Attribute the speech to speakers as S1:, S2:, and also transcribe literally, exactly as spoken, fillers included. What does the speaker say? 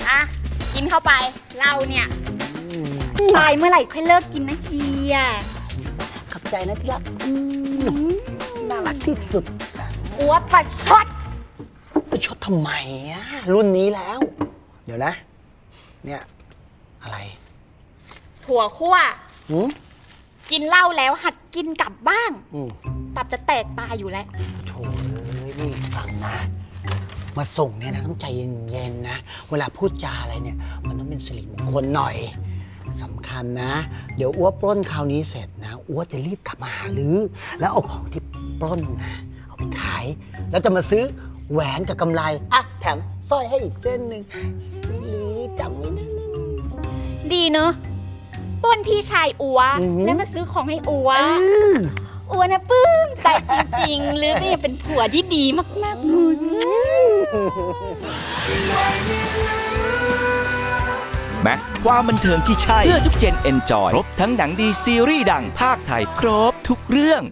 S1: อ่ะกินเข้าไปเราเนี่ยตายเมื่อไหร่ค่อยเลิกกินนะเฮีย
S2: ขอบใจนะที่รักน่ารักที่สุด
S1: อัวประชด
S2: ไปชดทำไมอะรุ่นนี้แล้ว เดี๋ยวนะ เนี่ยอะไร
S1: ถั่วคั่ว
S2: หืม
S1: กินเหล้าแล้วหัดกินกลับบ้าง
S2: อืม
S1: ตับจะแตกตายอยู่แล้ว
S2: โถเอ้ยนี่ฟังนะ มาส่งเนี่ยนะต้องใจเย็นๆนะ เวลาพูดจาอะไรเนี่ย มันต้องเป็นสิริมงคลหน่อยสำคัญนะ เดี๋ยวอ้วปล้นคราวนี้เสร็จนะอ้วจะรีบกลับมาหาลือ แล้วเอาของที่ปล้นนะเอาไปขาย แล้วจะมาซื้อแหวนกับกำไรอ่ะแถมสร้อยให้อีกเส้นหนึ่งหรือจำไว้นะ
S1: ดีเนอะป้นพี่ชายอัว
S2: อือหือ
S1: แล้วมาซื้อของให้อัว
S2: อืม
S1: อัวนะปลื้มใจจริงๆหรือก็ยังเป็นผัวที่ดีมากๆเลย
S3: แม็กซ์ความบันเทิงที่ใช่ เพื่อทุกเจนเอนจอย ครบทั้งหนังดีซีรีส์ดังภาคไทย ครบทุกเรื่อง